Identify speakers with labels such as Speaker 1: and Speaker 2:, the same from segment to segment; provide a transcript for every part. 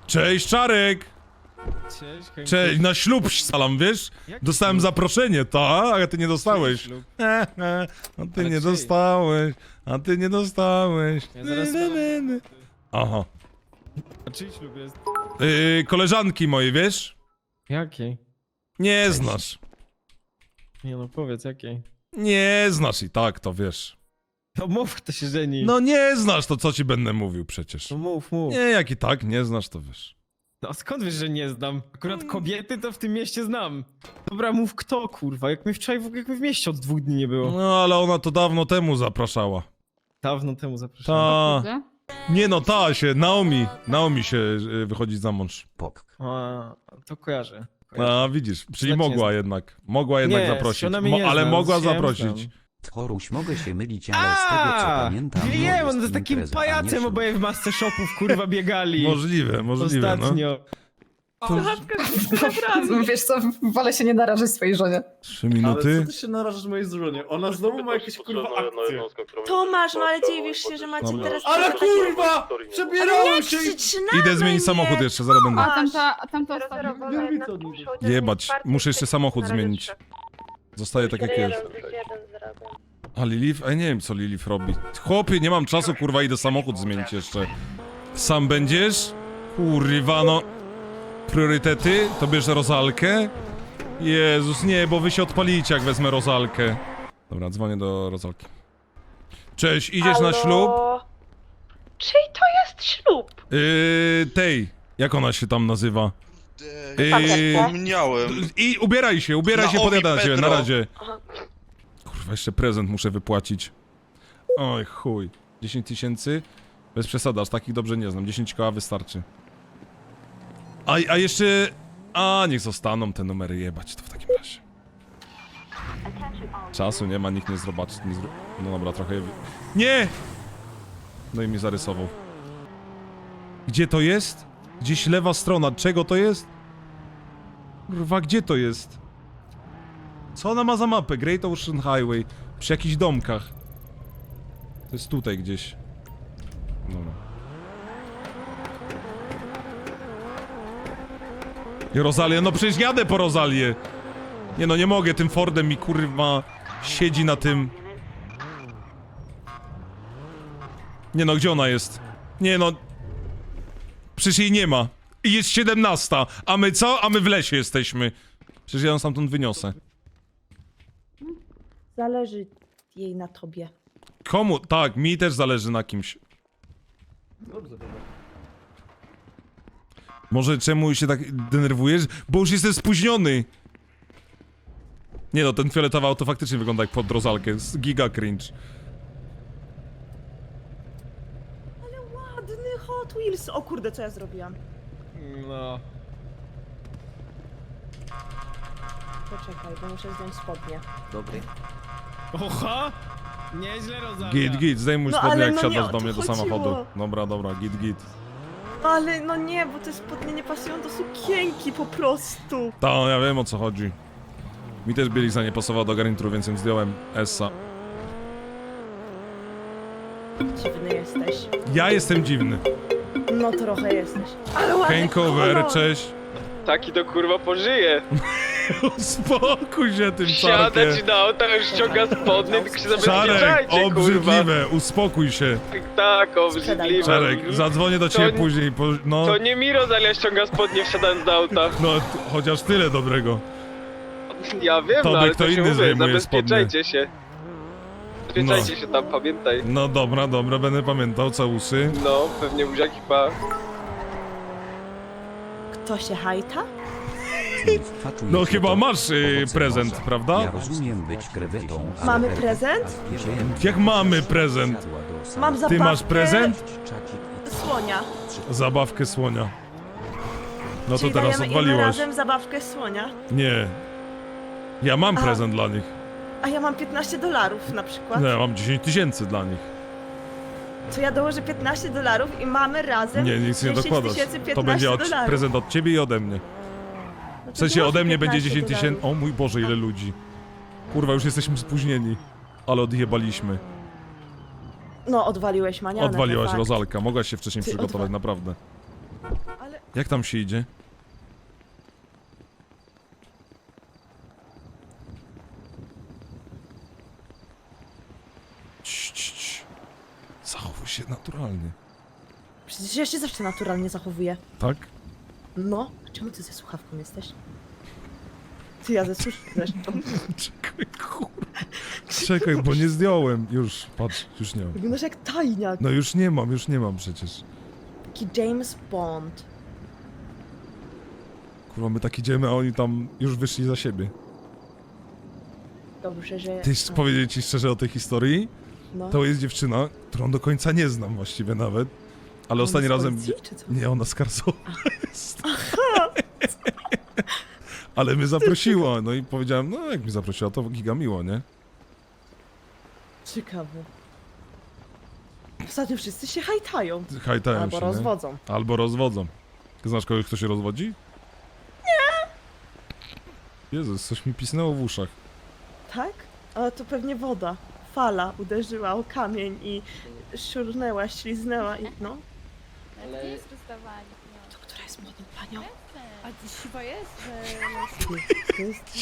Speaker 1: Cześć, Czarek!
Speaker 2: Cześć, Henku.
Speaker 1: Cześć, na ślub salam, wiesz?
Speaker 2: Jaki
Speaker 1: Dostałem
Speaker 2: ślub?
Speaker 1: zaproszenie, a ty nie dostałeś.
Speaker 2: Ślub.
Speaker 1: A ty
Speaker 2: Ale
Speaker 1: nie
Speaker 2: czyj?
Speaker 1: dostałeś, a ty nie dostałeś.
Speaker 2: Ja zaraz
Speaker 1: Aha.
Speaker 2: A czyj ślub jest?
Speaker 1: Koleżanki mojej, wiesz?
Speaker 2: Jakiej?
Speaker 1: Nie znasz.
Speaker 2: Nie no, powiedz jakiej.
Speaker 1: Nie znasz i tak, to wiesz.
Speaker 2: No mów, kto się żeni.
Speaker 1: No nie znasz, to co ci będę mówił przecież.
Speaker 2: No mów.
Speaker 1: Nie, jak i tak nie znasz, to wiesz.
Speaker 2: No a skąd wiesz, że nie znam? Akurat kobiety to w tym mieście znam. Dobra, mów kto, kurwa, jak mnie wczoraj jak mnie w mieście od 2 dni nie było.
Speaker 1: No ale ona to dawno temu zapraszała.
Speaker 2: Dawno temu zapraszałem.
Speaker 1: Ta. Nie no, ta się, Naomi się wychodzi za mąż.
Speaker 2: A, to kojarzę.
Speaker 1: A widzisz, czyli
Speaker 2: Znacznie
Speaker 1: mogła
Speaker 2: znam.
Speaker 1: jednak. Mogła jednak
Speaker 2: Nie,
Speaker 1: zaprosić.
Speaker 2: ona mnie nie
Speaker 1: Ale
Speaker 2: zna,
Speaker 1: mogła
Speaker 2: z siebie
Speaker 1: zaprosić.
Speaker 2: znam.
Speaker 3: Tchoruś, mogę się mylić, ale z tego co pamiętam... no
Speaker 2: Wiem, on jest
Speaker 3: impreza,
Speaker 2: takim
Speaker 3: a nie
Speaker 2: pajacem,
Speaker 3: ślub.
Speaker 2: oboje w masce shopów, kurwa, biegali.
Speaker 1: Możliwe, no.
Speaker 2: Ostatnio.
Speaker 4: Wiesz co, wolę się nie narażać swojej żonie.
Speaker 1: 3
Speaker 5: Ale
Speaker 1: minuty.
Speaker 5: co ty się narażasz mojej żonie? Ona znowu ma jakieś kurwa akcje.
Speaker 6: Tomasz, no ale dziwisz się, że macie
Speaker 1: Dobra.
Speaker 6: teraz...
Speaker 5: Ale
Speaker 6: takie-
Speaker 5: kurwa!
Speaker 6: Ale
Speaker 5: Przebierały
Speaker 6: nie
Speaker 5: się i...
Speaker 6: krzycz na
Speaker 1: Idę zmienić
Speaker 6: mnie!
Speaker 1: samochód jeszcze, zaraz będę.
Speaker 4: A tamta ostatnia.
Speaker 5: Lewica od niego.
Speaker 1: Jebać, muszę jeszcze samochód zmienić. Zostaje tak jak jest. A Lilith? A nie wiem co Lilith robi. Chłopie, nie mam czasu, kurwa, idę samochód zmienić jeszcze. Sam będziesz? Kurwa, no. Priorytety? To bierze Rozalkę? Jezus, nie, bo wy się odpalicie, jak wezmę Rozalkę. Dobra, dzwonię do Rozalki. Cześć, idziesz na ślub?
Speaker 6: Czyj to jest ślub?
Speaker 1: Tej, jak ona się tam nazywa?
Speaker 7: Miałem.
Speaker 1: I ubieraj się,
Speaker 7: Naomi
Speaker 1: podjadę na ciebie, na
Speaker 7: Pedro.
Speaker 1: razie.
Speaker 6: Aha.
Speaker 1: Kurwa, jeszcze prezent muszę wypłacić. Oj, chuj. 10 tysięcy? Bez przesady, aż takich dobrze nie znam. 10 koła wystarczy. A jeszcze... A, niech zostaną te numery, jebać to w takim razie. Czasu nie ma, nikt nie zobaczy. No dobra, trochę je... Nie! No i mi zarysował. Gdzie to jest? Gdzieś lewa strona. Czego to jest? Kurwa, gdzie to jest? Co ona ma za mapę? Great Ocean Highway. Przy jakichś domkach. To jest tutaj gdzieś. Dobra. I Rozalię, no przecież jadę po Rozalię. Nie no, nie mogę, tym Fordem mi kurwa siedzi na tym. Nie no, gdzie ona jest? Nie no. Przecież jej nie ma. I jest 17, a my co? A my w lesie jesteśmy. Przecież ja ją stamtąd wyniosę.
Speaker 6: Zależy jej na tobie.
Speaker 1: Komu? Tak, mi też zależy na kimś.
Speaker 5: Dobrze, dobra.
Speaker 1: Może czemu się tak denerwujesz? Bo już jestem spóźniony. Nie no, ten fioletowy auto faktycznie wygląda jak pod Rozalkę. Giga cringe.
Speaker 6: Ładny Hot Wheels. O kurde, co ja zrobiłam?
Speaker 2: No.
Speaker 6: Poczekaj, bo muszę zdjąć spodnie.
Speaker 2: Oha! Nieźle, Rosalia.
Speaker 1: Git, zdejmuj
Speaker 6: No,
Speaker 1: spodnie
Speaker 6: ale
Speaker 1: jak
Speaker 6: no nie
Speaker 1: siadasz
Speaker 6: o
Speaker 1: do
Speaker 6: to
Speaker 1: mnie do
Speaker 6: chodziło.
Speaker 1: samochodu. Dobra, git.
Speaker 6: Ale no nie, bo te spodnie nie pasują do sukienki po prostu.
Speaker 1: Ta, ja wiem o co chodzi. Mi też bieliza nie pasowała do garnituru, więc ją zdjąłem. Essa.
Speaker 6: Dziwny jesteś.
Speaker 1: Ja jestem dziwny.
Speaker 6: No trochę jesteś. Ale ładny
Speaker 1: Hangover,
Speaker 6: kolor.
Speaker 1: cześć.
Speaker 8: Taki to kurwa pożyje.
Speaker 1: Uspokój się tym
Speaker 8: Siada
Speaker 1: Czarkiem.
Speaker 8: ci na auto, już ściąga spodnie, tylko się
Speaker 1: Czarek,
Speaker 8: zabezpieczajcie, kurwa.
Speaker 1: obrzydliwe, uspokój się.
Speaker 8: Tak, obrzydliwe.
Speaker 1: Czarek, zadzwonię do ciebie
Speaker 8: To-
Speaker 1: później, no.
Speaker 8: To nie mi Rosalia ściąga spodnie wsiadając do auta.
Speaker 1: No, chociaż tyle dobrego.
Speaker 8: Ja wiem,
Speaker 1: Tobie
Speaker 8: no ale
Speaker 1: kto
Speaker 8: to się
Speaker 1: inny
Speaker 8: mówię,
Speaker 1: zdejmuje
Speaker 8: zabezpieczajcie się. Zabezpieczajcie się tam, pamiętaj.
Speaker 1: No dobra, będę pamiętał, całusy.
Speaker 8: No, pewnie buziaki pa.
Speaker 6: Kto się hajta?
Speaker 3: Wpatruj
Speaker 1: No
Speaker 3: się
Speaker 1: chyba
Speaker 3: to
Speaker 1: masz
Speaker 3: owoce
Speaker 1: prezent,
Speaker 3: morza.
Speaker 1: prawda?
Speaker 3: Ja rozumiem być krewetą, ale
Speaker 6: Mamy
Speaker 3: Berber,
Speaker 6: prezent?
Speaker 3: a wierzyłem,
Speaker 1: Jak mamy prezent?
Speaker 3: zjadła do
Speaker 6: Mam
Speaker 3: samochodu.
Speaker 6: zabawkę...
Speaker 1: Ty masz prezent?
Speaker 3: Czacik i
Speaker 6: Słonia.
Speaker 1: Zabawkę słonia. No to
Speaker 6: Czyli
Speaker 1: teraz
Speaker 6: dajemy im
Speaker 1: odwaliłaś.
Speaker 6: razem zabawkę słonia.
Speaker 1: Nie. Ja mam
Speaker 6: A.
Speaker 1: prezent dla nich.
Speaker 6: A ja mam $15 na przykład.
Speaker 1: Nie, mam 10 tysięcy dla nich.
Speaker 6: To ja dołożę $15 i mamy razem
Speaker 1: Nie, nic nie
Speaker 6: 10
Speaker 1: dokładasz.
Speaker 6: 15
Speaker 1: To będzie
Speaker 6: dolarów.
Speaker 1: prezent od ciebie i ode mnie.
Speaker 6: No to
Speaker 1: W sensie
Speaker 6: dołożę
Speaker 1: ode mnie będzie
Speaker 6: 15
Speaker 1: 10 tysięcy.
Speaker 6: dolarów.
Speaker 1: O mój Boże, ile ludzi. Kurwa, już jesteśmy spóźnieni. Ale odjebaliśmy.
Speaker 6: No, odwaliłeś manianę.
Speaker 1: Odwaliłaś
Speaker 6: to fakt.
Speaker 1: Rozalka. Mogłaś się wcześniej
Speaker 6: Ty
Speaker 1: przygotować,
Speaker 6: odwa-
Speaker 1: naprawdę.
Speaker 6: Ale...
Speaker 1: Jak tam się idzie? Cii. Zachowuj się naturalnie.
Speaker 6: Przecież ja się zawsze naturalnie zachowuję.
Speaker 1: Tak?
Speaker 6: No, a czemu ty ze słuchawką jesteś? Ty, ja ze słuchawką zresztą.
Speaker 1: Czekaj, kurwa. Czekaj, bo nie zdjąłem. Już, patrz, już nie mam.
Speaker 6: Wyglądasz jak tajniak.
Speaker 1: No już nie mam przecież.
Speaker 6: Taki James Bond.
Speaker 1: Kurwa, my tak idziemy, a oni tam już wyszli za siebie.
Speaker 6: Dobrze, że...
Speaker 1: Ty, powiedzieć ci szczerze o tej historii?
Speaker 6: No.
Speaker 1: To jest dziewczyna, którą do końca nie znam właściwie nawet. Ale
Speaker 6: Ona
Speaker 1: ostatni
Speaker 6: z
Speaker 1: razem...
Speaker 6: policji, czy co?
Speaker 1: Nie, ona z Karsowa jest. Ale mnie zaprosiła, no i powiedziałem, no jak mi zaprosiła, to giga miło, nie?
Speaker 6: Ciekawe. Ostatnio wszyscy się hajtają.
Speaker 1: Hajtają
Speaker 6: Albo
Speaker 1: się,
Speaker 6: rozwodzą.
Speaker 1: Nie? Albo rozwodzą. Ty znasz kogoś, kto się rozwodzi? Nie! Jezus, coś mi pisnęło w uszach.
Speaker 6: Tak? Ale to pewnie woda. Fala uderzyła o kamień i szurnęła, śliznęła i no.
Speaker 7: Ale... jest rozdawanie.
Speaker 6: To która jest młodą panią?
Speaker 7: A ty siwa jest, że...
Speaker 6: To jest...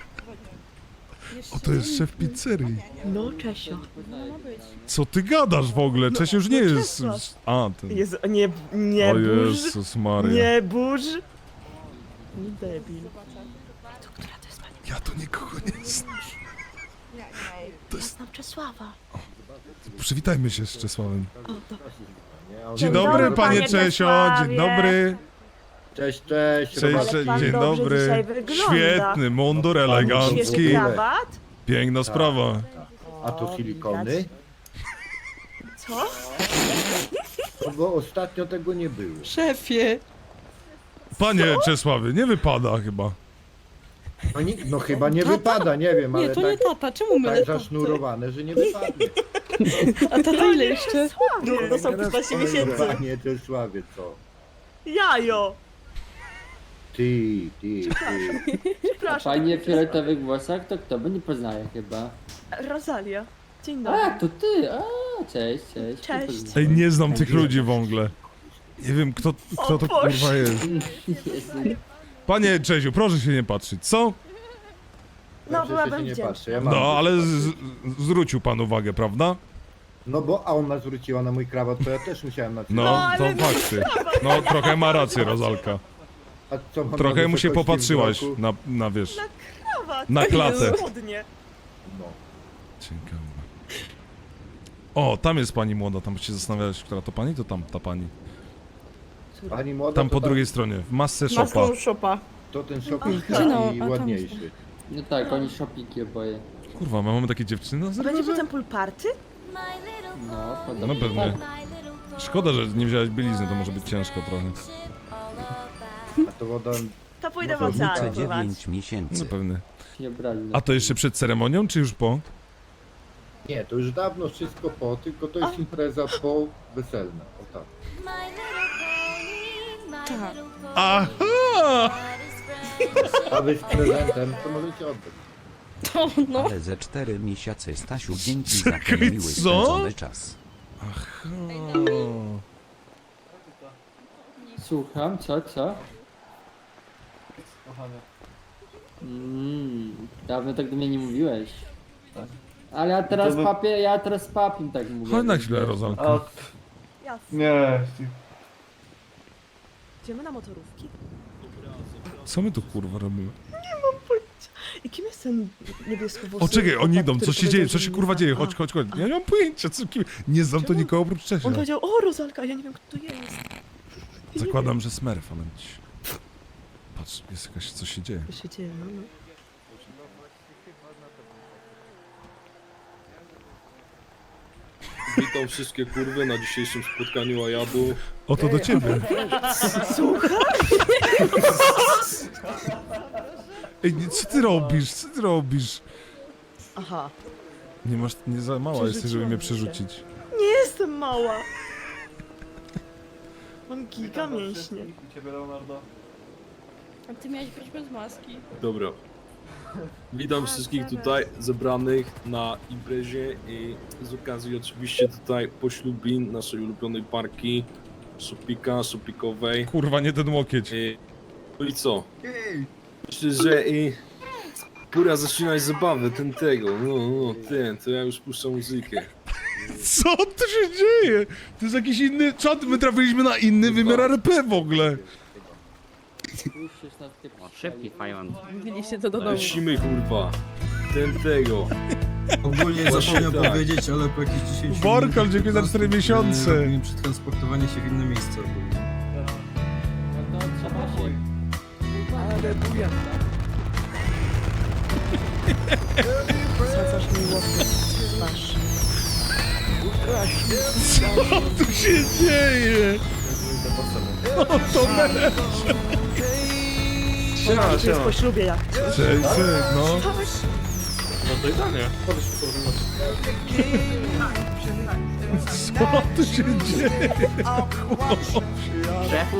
Speaker 1: O, to jest szef pizzerii.
Speaker 6: No, Czesio.
Speaker 7: No ma być.
Speaker 1: Co ty gadasz w ogóle? Czesio już nie
Speaker 6: no
Speaker 1: jest...
Speaker 6: Czesław.
Speaker 1: A, ten...
Speaker 6: Jezu, nie
Speaker 1: O
Speaker 6: burz.
Speaker 1: Jezus Maria.
Speaker 6: Nie burz. Nie debil. To która to jest pani?
Speaker 1: Ja to nikogo nie znam.
Speaker 6: To jest... znam Czesława.
Speaker 1: Przywitajmy się z Czesławem.
Speaker 6: O, dobra.
Speaker 1: Dzień
Speaker 6: Dzień
Speaker 1: dobry,
Speaker 6: dobry,
Speaker 1: panie
Speaker 6: panie
Speaker 1: Czesio, dzień
Speaker 6: Czesławie.
Speaker 1: dobry.
Speaker 5: Cześć.
Speaker 1: Cześć,
Speaker 6: Ale pan
Speaker 1: dzień
Speaker 6: dobrze
Speaker 1: dobry.
Speaker 6: dzisiaj wygląda.
Speaker 1: Świetny, mundur elegancki.
Speaker 6: Świetny krawat.
Speaker 1: Piękna sprawa.
Speaker 5: A to silikony?
Speaker 6: Co?
Speaker 5: No bo ostatnio tego nie było.
Speaker 6: Szefie.
Speaker 1: Panie Czesławie, nie wypada chyba.
Speaker 5: No chyba nie wypada, nie wiem, ale
Speaker 9: Nie, to nie
Speaker 5: tak,
Speaker 9: tata, czemu my
Speaker 5: tak zasznurowane, że nie wypadnie.
Speaker 9: A tata ile jeszcze?
Speaker 6: No, to są 15 miesięcy.
Speaker 5: Panie Czesławie, co?
Speaker 6: Jajo.
Speaker 5: Ty.
Speaker 6: Przepraszam.
Speaker 9: Fajnie w fioletowych włosach, to kto by nie poznaje chyba.
Speaker 6: Rosalia. Dzień
Speaker 9: A,
Speaker 6: dobry.
Speaker 9: to ty, cześć.
Speaker 6: Cześć.
Speaker 1: Ej, nie znam tych ludzi w ogóle. Nie wiem, kto to
Speaker 6: Boże.
Speaker 1: kurwa jest.
Speaker 9: Jezu.
Speaker 1: Panie Czesiu, proszę się nie patrzeć, co?
Speaker 6: No,
Speaker 5: Dobrze,
Speaker 6: byłabym
Speaker 5: że się nie
Speaker 6: wdzięczna.
Speaker 5: patrzy, ja mam.
Speaker 1: No, ale zwrócił pan uwagę, prawda?
Speaker 5: No bo a ona zwróciła na mój krawat, to ja też musiałem na
Speaker 1: No, to
Speaker 6: ale-
Speaker 1: fakty. No, trochę ma rację, Rozalka.
Speaker 5: A co, mam
Speaker 1: Trochę
Speaker 5: na
Speaker 1: mu się
Speaker 5: wysokości
Speaker 1: popatrzyłaś
Speaker 5: wzroku?
Speaker 1: na wiesz,
Speaker 6: Krawat.
Speaker 1: na klatę.
Speaker 6: Spodnie.
Speaker 5: No.
Speaker 1: Ciekawe. O, tam jest pani młoda, tam się zastanawiałeś, która to pani, to tam ta pani.
Speaker 5: Pani młoda,
Speaker 1: Tam
Speaker 5: to
Speaker 1: po drugiej stronie, w masce shopa.
Speaker 6: Maską szopa.
Speaker 5: To ten shopping
Speaker 9: Aha. No,
Speaker 5: taki
Speaker 9: a tam
Speaker 5: ładniejszy.
Speaker 9: No tak, oni szopiki oboje.
Speaker 1: Kurwa, my mamy takie dziewczyny na
Speaker 6: Będzie
Speaker 1: serwerze?
Speaker 6: potem pool party?
Speaker 9: No,
Speaker 1: No
Speaker 9: podobnie.
Speaker 1: pewnie. Szkoda, że nie wziąłeś bielizny, to może być ciężko trochę.
Speaker 5: A to woda...
Speaker 6: To pójdę w
Speaker 5: Może
Speaker 6: ocean
Speaker 3: Różnice
Speaker 6: pływać.
Speaker 3: 9 miesięcy.
Speaker 1: No pewnie.
Speaker 9: Nie brali.
Speaker 1: A to jeszcze przed ceremonią, czy już po?
Speaker 5: Nie, to już dawno wszystko po, tylko to jest impreza po weselna. O tak.
Speaker 1: Aha!
Speaker 5: A wy z prezentem to możecie oddać.
Speaker 3: Ale ze 4 miesiące Stasiu, dzięki za ten miły
Speaker 1: co?
Speaker 3: spędzony czas.
Speaker 1: Aha.
Speaker 9: Słucham, co? Dawno tak do mnie nie mówiłeś. Ale ja teraz papiem tak mówię.
Speaker 1: Chodź na chwilę, Rozalka.
Speaker 6: Jasne.
Speaker 5: Nie.
Speaker 6: Idziemy na motorówki.
Speaker 1: Co my tu kurwa robimy?
Speaker 6: I kim jest ten niebiesko
Speaker 1: O, czekaj, oni idą, co się dzieje, co się
Speaker 6: powiedział,
Speaker 1: kurwa
Speaker 6: że
Speaker 1: dzieje,
Speaker 6: nie
Speaker 1: chodź,
Speaker 6: zna?
Speaker 1: chodź, chodź. Ja nie mam pojęcia, co kim... Nie znam to
Speaker 6: Czemu?
Speaker 1: nikogo oprócz Czesia.
Speaker 6: On powiedział, o Rozalka, ja nie wiem kto to jest.
Speaker 1: Zakładam, że Smurf, ale... Patrz, jest jakaś, co się dzieje.
Speaker 6: Co się dzieje, no.
Speaker 10: Witam wszystkie kurwy na dzisiejszym spotkaniu Ajabu.
Speaker 1: Oto do ciebie.
Speaker 6: Słuchaj?
Speaker 1: Ej, co ty robisz, co ty robisz?
Speaker 6: Aha.
Speaker 1: Nie masz, nie za mała jesteś, żeby mnie
Speaker 6: Przerzuciłam
Speaker 1: przerzucić.
Speaker 6: Nie jestem mała. Mam giga mięśnie.
Speaker 7: A ty miałeś być bez maski.
Speaker 10: Dobra. Witam wszystkich tutaj zebranych na imprezie i z okazji oczywiście tutaj poślubin naszej ulubionej parki Supika, supikowej.
Speaker 1: Kurwa, nie ten łokieć.
Speaker 10: No i co? Myślę, że pora zaczynać zabawę tego. No, to ja już puszczę muzykę.
Speaker 1: Co tu się dzieje? To jest jakiś inny czat, my trafiliśmy na inny wymiar RP w ogóle.
Speaker 9: Szybki fajman.
Speaker 7: Mówiliście to do domu.
Speaker 10: Lecimy kurwa. Tego.
Speaker 11: Ogólnie zapomniał powiedzieć, ale po jakichś 10
Speaker 1: Borkal, dziękuję za 4 miesiące.
Speaker 11: robimy przetransportowanie się w inne miejsce.
Speaker 9: No to trzeba się...
Speaker 6: Zwracasz mi łokieć w twarz.
Speaker 1: Co tu się dzieje? No to
Speaker 6: Tu jest po ślubie jak.
Speaker 1: Cześć, no. Co tu się dzieje?
Speaker 9: Szefu!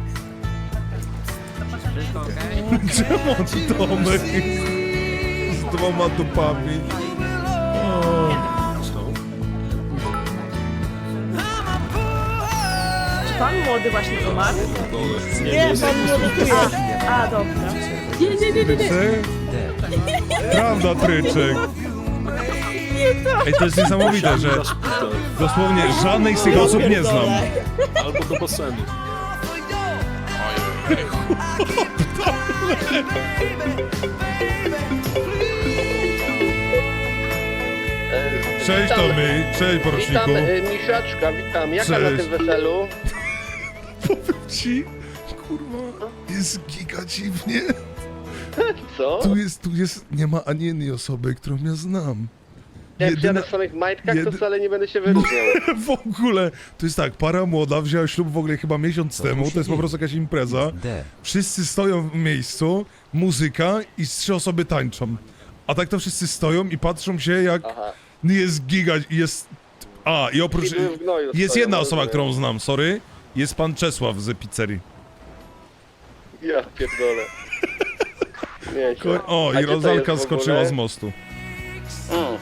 Speaker 9: Wszystko okej?
Speaker 1: Czemu Tomek z 2 dupami? O.
Speaker 6: Czy pan młody właśnie umarł? Nie, pan młody tu jest. A, dobra.
Speaker 1: Tryczek? Prawda, Tryczek. Ej, to jest niesamowite, że dosłownie żadnej z tych osób nie znam.
Speaker 10: Albo do basenu.
Speaker 1: Cześć Tomy, cześć poruczniku.
Speaker 8: Misiaczka, witam.
Speaker 1: Jaka na tym
Speaker 8: weselu?
Speaker 1: Powiem ci, kurwa, jest giga dziwnie.
Speaker 8: Co?
Speaker 1: Tu jest, nie ma ani jednej osoby, którą ja znam.
Speaker 8: Jak
Speaker 1: Jedyna-
Speaker 8: przyjadę w samych majtkach,
Speaker 1: jedy-
Speaker 8: to wcale nie będę się wyróżniał.
Speaker 1: W ogóle, to jest tak, para młoda wzięła ślub w ogóle chyba miesiąc temu, to jest po prostu jakaś impreza.
Speaker 3: D.
Speaker 1: Wszyscy stoją w miejscu, muzyka i 3 osoby tańczą. A tak to wszyscy stoją i patrzą się jak
Speaker 8: Aha.
Speaker 1: jest giga, jest... A, i oprócz...
Speaker 8: I były w gnoju
Speaker 1: Jest
Speaker 8: stoją,
Speaker 1: jedna osoba,
Speaker 8: rozumiem.
Speaker 1: którą znam, sorry. Jest pan Czesław z pizzerii.
Speaker 8: Ja pierdolę. Nieźle.
Speaker 1: O,
Speaker 8: A
Speaker 1: i
Speaker 8: gdzie to
Speaker 1: Rozalka
Speaker 8: jest w ogóle?
Speaker 1: skoczyła z mostu.
Speaker 8: Mm.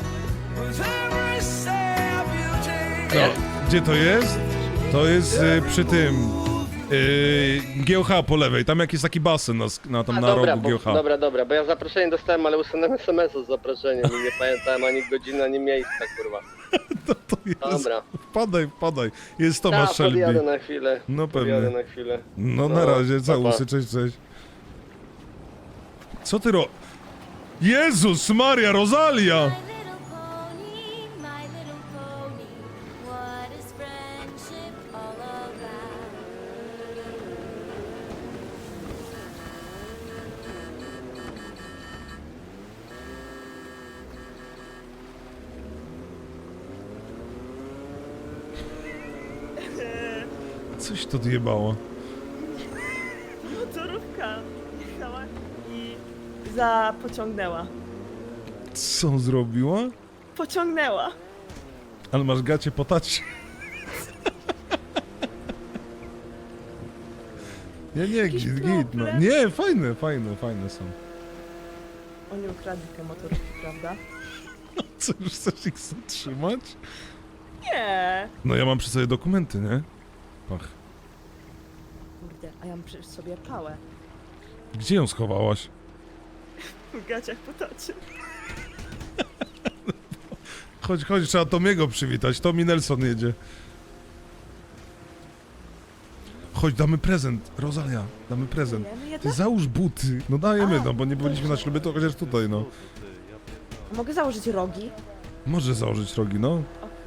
Speaker 1: No, gdzie to jest? To jest przy tym... GOH po lewej, tam jak jest taki basen tam na
Speaker 8: dobra,
Speaker 1: rogu GOH.
Speaker 8: dobra, bo ja zaproszenie dostałem, ale usunąłem SMS-u z zaproszeniem i nie pamiętałem ani godziny, ani miejsca, kurwa.
Speaker 1: To jest...
Speaker 8: Dobra.
Speaker 1: Wpadaj. Jest Tomasz
Speaker 8: Tak,
Speaker 1: Shelby.
Speaker 8: podjadę na chwilę.
Speaker 1: No
Speaker 8: Podjadę
Speaker 1: pewnie.
Speaker 8: na chwilę.
Speaker 1: No na razie, całusy, cześć. Co ty Jezus Maria, Rosalia! Coś to odjebało.
Speaker 6: Motorówka jechała i zapociągnęła.
Speaker 1: Co zrobiła?
Speaker 6: Pociągnęła.
Speaker 1: Ale masz gacie po tacie. Nie, git, no. Nie, fajne są.
Speaker 6: Oni ukradli te motorówki, prawda?
Speaker 1: Co, już chcesz ich zatrzymać?
Speaker 6: Nie.
Speaker 1: No ja mam przy sobie dokumenty, nie? Pach.
Speaker 6: Kurde, a ja mam przecież sobie pałę.
Speaker 1: Gdzie ją schowałaś?
Speaker 6: W gaciach po tacie.
Speaker 1: Chodź, trzeba Tomiego przywitać. Tommy Nelson jedzie. Chodź, damy prezent. Rosalia, damy prezent.
Speaker 6: Dajemy
Speaker 1: Ty
Speaker 6: jedno?
Speaker 1: załóż buty. No dajemy,
Speaker 6: A,
Speaker 1: no bo nie byliśmy na ślubie, to chociaż tutaj, no.
Speaker 6: Mogę założyć rogi?
Speaker 1: Może założyć rogi, no.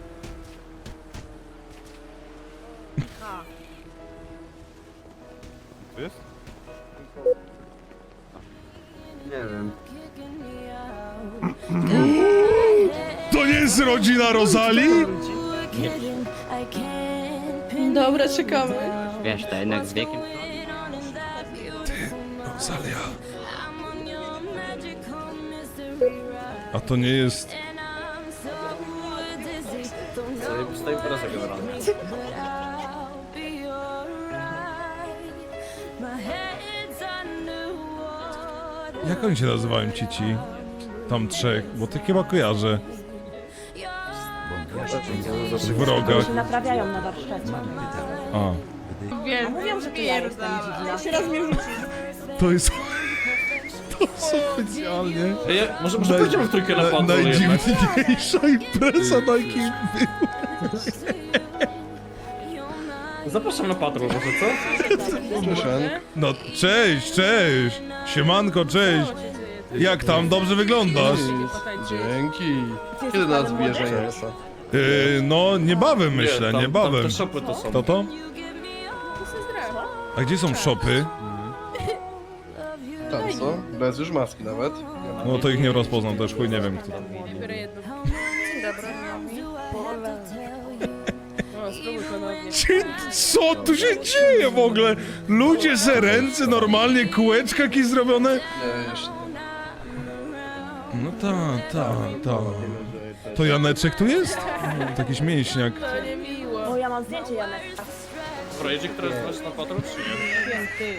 Speaker 11: Nie wiem.
Speaker 1: To nie jest rodzina Rosalii?
Speaker 7: Dobra, czekamy.
Speaker 9: Wiesz, to jednak z wiekiem...
Speaker 1: Rosalia. A to nie jest... Jak oni się nazywają ci? Tam 3, bo ty chyba kojarzę. W
Speaker 6: Oni
Speaker 1: rogach.
Speaker 6: się naprawiają na warsztacie.
Speaker 1: A,
Speaker 6: A mówiłam, że to ja jestem dziwna. Jeszcze raz mnie rzucisz.
Speaker 1: to jest... To specjalnie...
Speaker 2: Może pójdziemy w trójkę na patrol
Speaker 1: Najdziwniejsza impreza, na jakiej
Speaker 2: Zapraszam na patrol, może co?
Speaker 1: No, cześć! Siemanko, cześć! Jak tam? Dobrze wyglądasz?
Speaker 6: Dzięki. Kiedy nas bierze?
Speaker 1: No, niebawem myślę, niebawem.
Speaker 2: Te szopy to są.
Speaker 1: To? A gdzie są szopy?
Speaker 11: Tam co? Bez już maski nawet.
Speaker 1: No to ich nie rozpoznam, też chuj nie wiem kto.
Speaker 7: Biorę jedno. Dzień dobry. O, spróbuj ponownie.
Speaker 1: Co tu się dzieje w ogóle? Ludzie se ręce normalnie, kółeczka jakieś zrobione?
Speaker 11: Nie, jeszcze
Speaker 1: No ta. To Janeczek tu jest? To jakiś mięśniak.
Speaker 7: To nie miło.
Speaker 6: O, ja mam zdjęcie, Janek.
Speaker 2: Dobra, jedzie ktoś na patrol, czy nie?
Speaker 7: Piękny.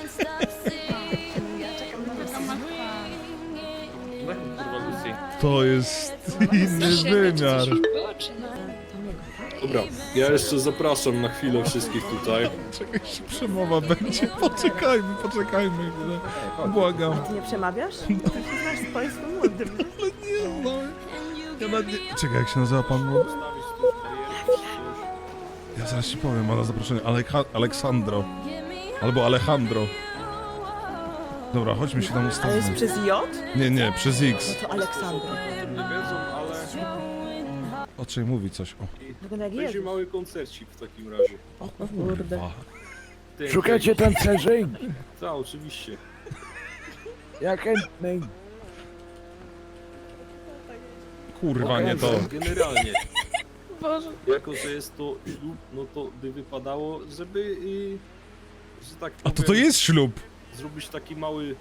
Speaker 2: Tak, kurwa, Lucy.
Speaker 1: To jest inny wymiar.
Speaker 10: Dobra, ja jeszcze zapraszam na chwilę wszystkich tutaj.
Speaker 1: Czekaj, się przemowa będzie. Poczekajmy chwilę. Błagam.
Speaker 6: Ty nie przemawiasz? Ty się znasz z państwem młodym.
Speaker 1: Nie znam. Ja nawet nie... Czekaj, jak się nazywa pan młody? Ja zaraz ci powiem, ma na zaproszenie. Aleksandro. Albo Alejandro. Dobra, chodźmy się tam
Speaker 6: A jest
Speaker 1: ustawmy.
Speaker 6: przez J?
Speaker 1: Nie, przez X.
Speaker 6: No to Aleksandra.
Speaker 10: Nie wiedzą, ale
Speaker 1: O czym mówi coś? O.
Speaker 6: Wygląda jak
Speaker 10: będzie
Speaker 6: Jezus.
Speaker 10: mały koncercik w takim razie.
Speaker 7: O kurde.
Speaker 10: Szukacie
Speaker 11: tancerzy?
Speaker 10: Tak, oczywiście.
Speaker 11: Ja chętny.
Speaker 1: Kurwa, nie to.
Speaker 10: Generalnie,
Speaker 7: Boże.
Speaker 10: jako że jest to ślub, no to by wypadało, żeby, że tak
Speaker 1: A
Speaker 10: powiem,
Speaker 1: to jest ślub.
Speaker 10: zrobić taki mały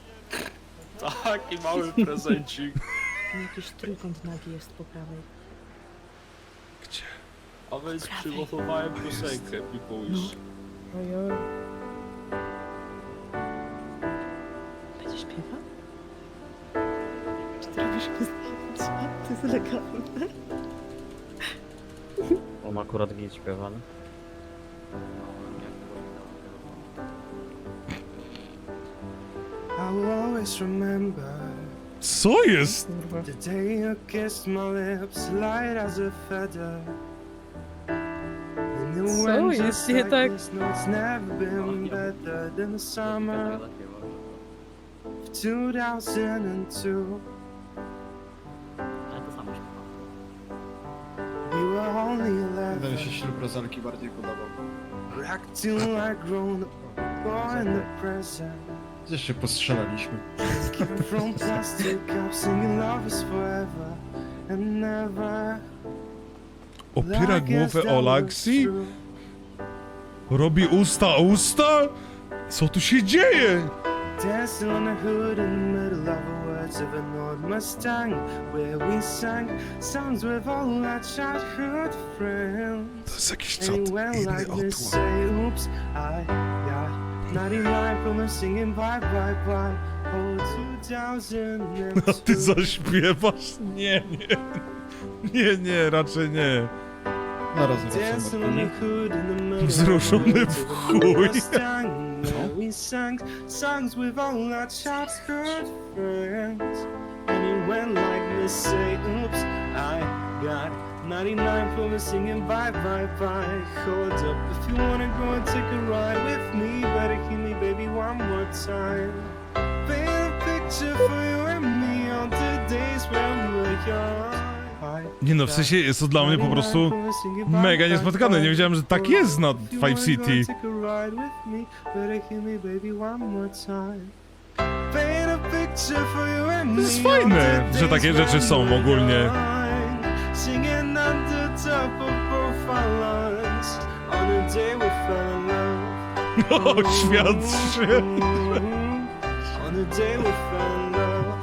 Speaker 10: prezencik.
Speaker 6: Jakiś trójkąt nagi jest po prawej.
Speaker 1: Gdzie?
Speaker 10: A więc przygotowałem piosenkę People Wish.
Speaker 7: Ojoj.
Speaker 6: Będzie śpiewał? Czy ty robisz mu zdjęcia? To jest legalne.
Speaker 2: On akurat git śpiewany.
Speaker 11: I will always remember
Speaker 1: Co jest?
Speaker 11: the day you kissed my lips, light as a feather. And it
Speaker 7: Co
Speaker 11: went
Speaker 7: jest
Speaker 11: just
Speaker 7: nie
Speaker 11: like
Speaker 7: tak?
Speaker 11: this. No, it's never been better than the summer of 2002. We were only 11.
Speaker 2: ślub rozalki bardziej podobał.
Speaker 11: We're acting like grown up, boy in the present.
Speaker 2: Gdzieś się postrzelaliśmy.
Speaker 11: Keeping from plastic cups, singing love is forever and never.
Speaker 1: Opiera głowę o Laxi? Robi usta? Co tu się dzieje?
Speaker 11: Dancing on the hood in the middle of the woods of an old Mustang, where we sang songs with all our childhood friends.
Speaker 1: To jest jakiś
Speaker 11: And
Speaker 1: czat
Speaker 11: it went
Speaker 1: inny
Speaker 11: like this,
Speaker 1: otłam.
Speaker 11: say, oops, I got 99 from them singing bye bye bye. Oh, 2002.
Speaker 1: A ty zaśpiewasz? Nie, raczej nie.
Speaker 11: Dancing on the hood in the middle
Speaker 1: Wzruszony
Speaker 11: of
Speaker 1: w
Speaker 11: the
Speaker 1: chuj.
Speaker 11: Mustang, where we sang songs with all our childhood friends. And it went like this, say, oops, I got 99 from the singing bye bye bye. Hold up, if you wanna go and take a ride with me, better hear me, baby, one more time. Paint a picture for you and me on the days when we were young.
Speaker 1: Nie no, w sensie jest to dla mnie po prostu mega niespotkane. Nie wiedziałem, że tak jest na Five City. To jest fajne, że takie rzeczy są ogólnie. O, świadczy.
Speaker 11: On the day we fell in love.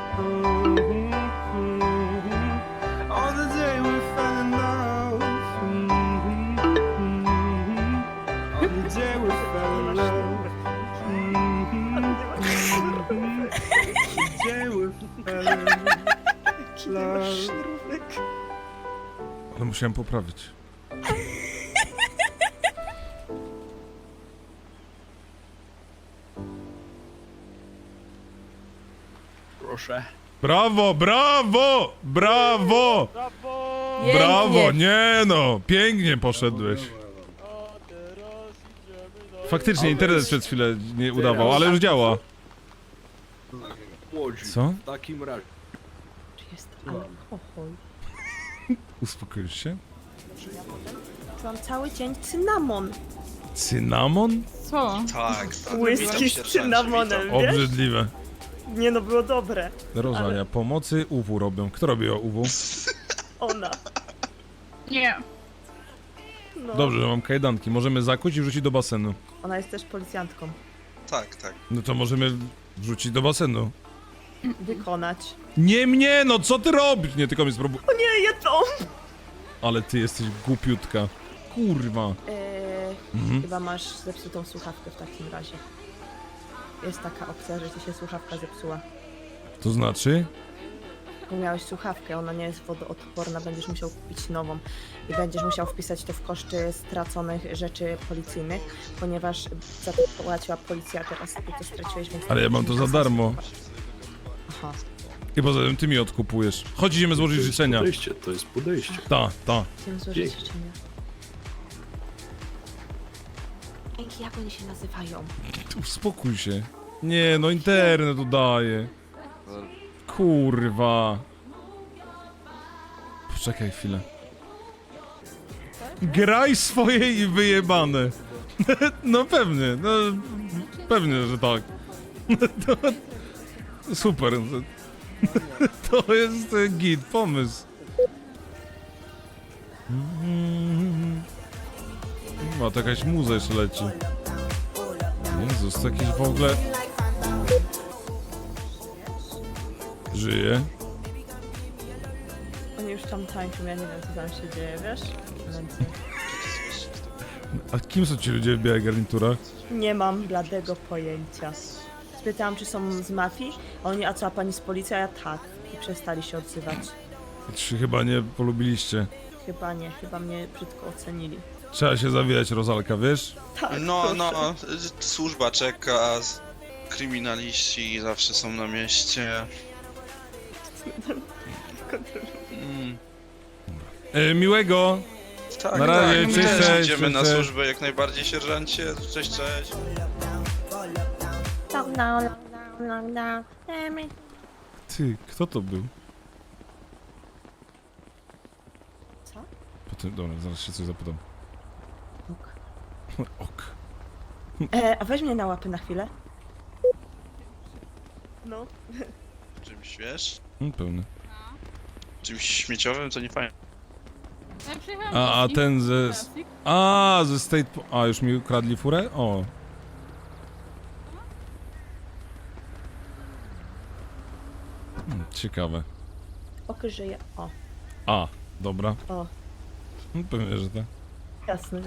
Speaker 11: On the day we fell in love. On the day we fell in love. The day we fell in love.
Speaker 1: Ale musiałem poprawić.
Speaker 11: proszę.
Speaker 1: Brawo, brawo, brawo!
Speaker 7: Pięknie.
Speaker 1: Brawo, nie no, pięknie poszedłeś. Faktycznie internet przez chwilę nie udawał, ale już działa.
Speaker 10: Łodzi.
Speaker 1: Co?
Speaker 10: W takim razie.
Speaker 6: Czy jest alkohol?
Speaker 1: Uspokoisz się?
Speaker 6: Czułam cały dzień cynamon.
Speaker 1: Cynamon?
Speaker 4: Co?
Speaker 11: Tak, tak.
Speaker 6: Whisky z cynamonem, wiesz?
Speaker 1: Obrzydliwe.
Speaker 6: Nie no, było dobre.
Speaker 1: Rozwania pomocy UW robią. Kto robi UW?
Speaker 6: Ona.
Speaker 4: Nie.
Speaker 6: No.
Speaker 1: Dobrze, że mam kajdanki. Możemy zakuć i wrzucić do basenu.
Speaker 6: Ona jest też policjantką.
Speaker 11: Tak, tak.
Speaker 1: No to możemy wrzucić do basenu.
Speaker 6: Wykonać.
Speaker 1: Nie mnie, no co ty robisz? Nie, tylko mnie spróbuj.
Speaker 6: O nie, jedzą!
Speaker 1: Ale ty jesteś głupiutka. Kurwa. Mhm.
Speaker 6: Chyba masz zepsutą słuchawkę w takim razie. Jest taka opcja, że ci się słuchawka zepsuła.
Speaker 1: To znaczy?
Speaker 6: Bo miałeś słuchawkę, ona nie jest wodoodporna, będziesz musiał kupić nową. I będziesz musiał wpisać to w koszty straconych rzeczy policyjnych, ponieważ za to płaciła policja, a teraz ty to straciłeś, więc...
Speaker 1: Ale ja mam to za darmo.
Speaker 6: Aha.
Speaker 1: I poza tym ty mi odkupujesz. Chodź, idziemy złożyć życzenia.
Speaker 10: Podejście, to jest podejście.
Speaker 1: Ta.
Speaker 6: Chciałem złożyć życzenia. Dzięki, jak oni się nazywają?
Speaker 1: Uspokój się. Nie, no internet udaje. Kurwa. Poczekaj chwilę. Graj swoje i wyjebane. No pewnie, no pewnie, że tak. Super. To jest git pomysł. No, to jakaś muza jeszcze leci. Jezus, to jakieś w ogóle... Żyje?
Speaker 6: Oni już tam tańczą, ja nie wiem co tam się dzieje, wiesz? Więc
Speaker 1: A kim są ci ludzie w białych garniturach?
Speaker 6: nie mam bladego pojęcia. Spytałam, czy są z mafii, a oni, a co, a pani z policji? A ja tak. I przestali się odzywać.
Speaker 1: Czy chyba nie polubiliście?
Speaker 6: Chyba nie, chyba mnie brzydko ocenili.
Speaker 1: Trzeba się zawijać, Rozalka, wiesz?
Speaker 6: Tak,
Speaker 11: No,
Speaker 6: proszę.
Speaker 11: no, służba czeka, kryminaliści zawsze są na mieście.
Speaker 1: Miłego!
Speaker 11: Tak,
Speaker 1: Na razie,
Speaker 11: tak,
Speaker 1: cześć,
Speaker 11: my też
Speaker 1: cześć,
Speaker 11: idziemy na
Speaker 1: cześć.
Speaker 11: służbę jak najbardziej, sierżancie. Cześć, cześć.
Speaker 1: Ty, kto to był?
Speaker 6: Co?
Speaker 1: Potem, dobra, zaraz się coś zapytam.
Speaker 6: Ok.
Speaker 1: Ok.
Speaker 6: A weź mnie na łapy na chwilę. No.
Speaker 11: Czymś, wiesz?
Speaker 1: Pełny.
Speaker 11: Czymś śmieciowym, to nie fajnie.
Speaker 1: A ten ze... ze State... A, już mi ukradli furę? O. Ciekawe.
Speaker 6: Ok, żyje. O.
Speaker 1: A, dobra.
Speaker 6: O.
Speaker 1: Pewnie, że tak.
Speaker 6: Jasne. Nie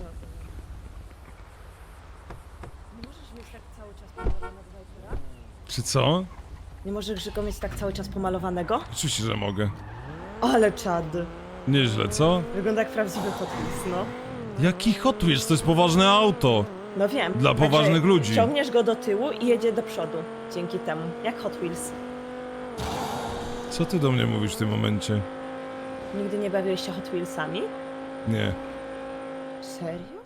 Speaker 6: możesz mieć tak cały czas pomalowanego Vipera?
Speaker 1: Czy co?
Speaker 6: Nie możesz go mieć tak cały czas pomalowanego?
Speaker 1: Oczywiście, że mogę.
Speaker 6: Ale czad.
Speaker 1: Nieźle, co?
Speaker 6: Wygląda jak prawdziwy Hot Wheels, no.
Speaker 1: Jaki Hot Wheels? To jest poważne auto.
Speaker 6: No wiem.
Speaker 1: Dla poważnych ludzi.
Speaker 6: Ciągniesz go do tyłu i jedzie do przodu. Dzięki temu. Jak Hot Wheels.
Speaker 1: Co ty do mnie mówisz w tym momencie?
Speaker 6: Nigdy nie bawiłeś się Hot Wheelsami?
Speaker 1: Nie.
Speaker 6: Serio?